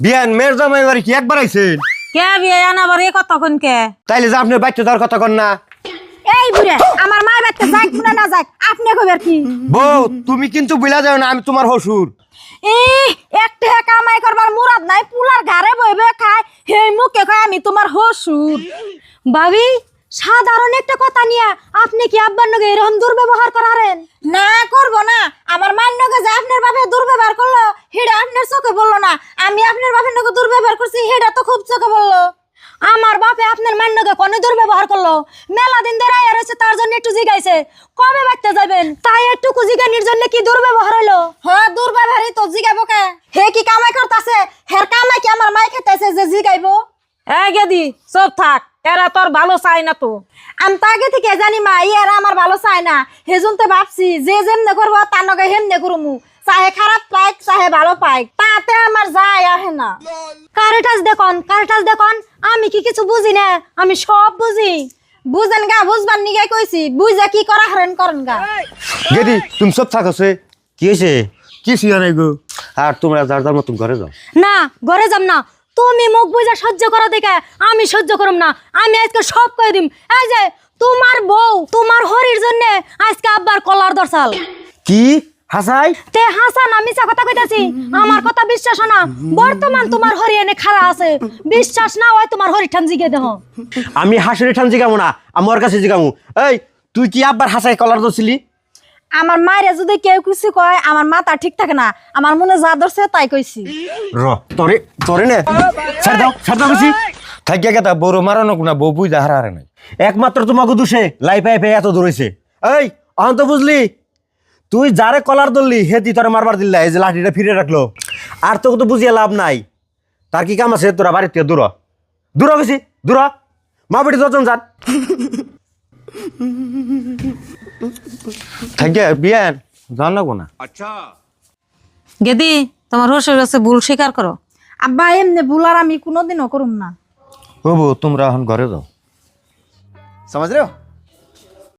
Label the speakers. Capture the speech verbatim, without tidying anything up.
Speaker 1: বিয়ান মেয়ের জামাই বাড়ি কি একবার আইছেন?
Speaker 2: কে বিয়ান আবার এ কথা কোন কে?
Speaker 1: তাইলে যে আপনার বাচ্চা দেওয়ার কথা কন না।
Speaker 3: এই বুড়ে আমার মা বাচ্চা যাক না না যাক আপনি কইবেন কি?
Speaker 1: বউ তুমি কিন্তু বুঝলা যাও না আমি তোমার হসুর।
Speaker 3: এই একটা কামাই করবার মুরাদ নাই পুলার ঘরে বইবে খায় হেই মুখে কয় আমি তোমার হসুর।
Speaker 2: ভাবি সাধারণ একটা কথা নিয়ে আপনি কি আব্বার নগে এরকম দুর্ব্যবহার করারেন?
Speaker 3: না করব না আমার মায়ের নগে যে আপনার বাপে দুর্ব্যবহার করলো হেডা আপনার চোখে বললো না আমি আপনার বাপের নগে দুর্ব্যবহার করছি হেডা তো খুব চোখে বললো।
Speaker 2: আমার বাপে আপনার মায়ের নগে কোন দুর্ব্যবহার করলো? মেলা দিন ধরে আয়া রয়েছে তার জন্য একটু জিগাইছে কবে বাইতে যাবেন তাই একটু জিগানির জন্য কি দুর্ব্যবহার হইলো?
Speaker 3: হ্যাঁ দুর্ব্যবহারই তো জিগাইবো কে? হে কি কামাই করতেছে হের কামাই কি আমার মাই খেতেছে যে জিগাইবো?
Speaker 2: এই গেদি সব থাক এরা তোর ভালো চাই না তো।
Speaker 3: আমি তো আগে থেকে জানি মা ইয়ারা আমার ভালো চায় না হেজুন তো ভাবছি যে যেমনে করবো তার নগে হেমনে করমু চাহে খারাপ পাইক চাহে ভালো পাইক তাতে আমার যায় আহে না।
Speaker 2: কারেটাস দেখুন কারেটাস দেখুন আমি কি কিছু বুঝি না আমি সব বুঝি।
Speaker 3: বুঝেন গা বুঝবার নিগে কইছি বুঝা কি করা হরেন করেন গা।
Speaker 1: গেদি তুমি সব থাকছে কি হয়েছে? কি শিয়া নাই গো। আর তোমরা যার যার মতন ঘরে যাও।
Speaker 2: না ঘরে যাম না তুমি মুখ বুঝা সহ্য করো দেখে আমি সহ্য করম না। আমি আজকে সব কয়ে দিম এই যে তোমার বউ তোমার হরির জন্য আজকে আব্বার কলার দরসাল।
Speaker 1: কি হাসাই?
Speaker 2: তে হাসান আমি মিছা কথা কইতাছি আমার কথা বিশ্বাস না। বর্তমান তোমার হরি এনে খাড়া আছে বিশ্বাস না হয় তোমার হরি ঠান জিগে দেহ।
Speaker 1: আমি হাসুরি ঠান জিগামু না আমার কাছে জিগামু। এই তুই কি আব্বার হাসাই কলার দছিলি?
Speaker 3: আমার মায়ের যদি কেউ কিছু কয় আমার মাথা ঠিক থাকে না আমার মনে যা ধরছে তাই কইছি।
Speaker 1: র তোরে তোরে নে ছাড় দাও ছাড় দাও বেশি থাকিয়া গেতা বড় মারানো না বউ বুঝা হারা হারে নাই একমাত্র তোমাকে দোষে লাই পাই পাই এত দৌড়াইছে। এই অহন তো বুঝলি তুই যারে কলার ধরলি হেতি তোরে মারবার দিল্লা এই যে লাঠিটা ফিরে রাখলো আর তোকে তো বুঝিয়ে লাভ নাই। তার কি কাম আছে তোরা বাড়ির থেকে দূর দূর গেছি দূর মা বেটি দশজন যান থাকিয়া বিয়ান জান লাগবো না।
Speaker 2: গেদি তোমার হসুর কাছে ভুল স্বীকার করো।
Speaker 3: আব্বা এমনি ভুলার আমি কোনোদিনও করুম না।
Speaker 1: ও বউ তোমরা এখন ঘরে যাও।
Speaker 4: समझ रहे हो?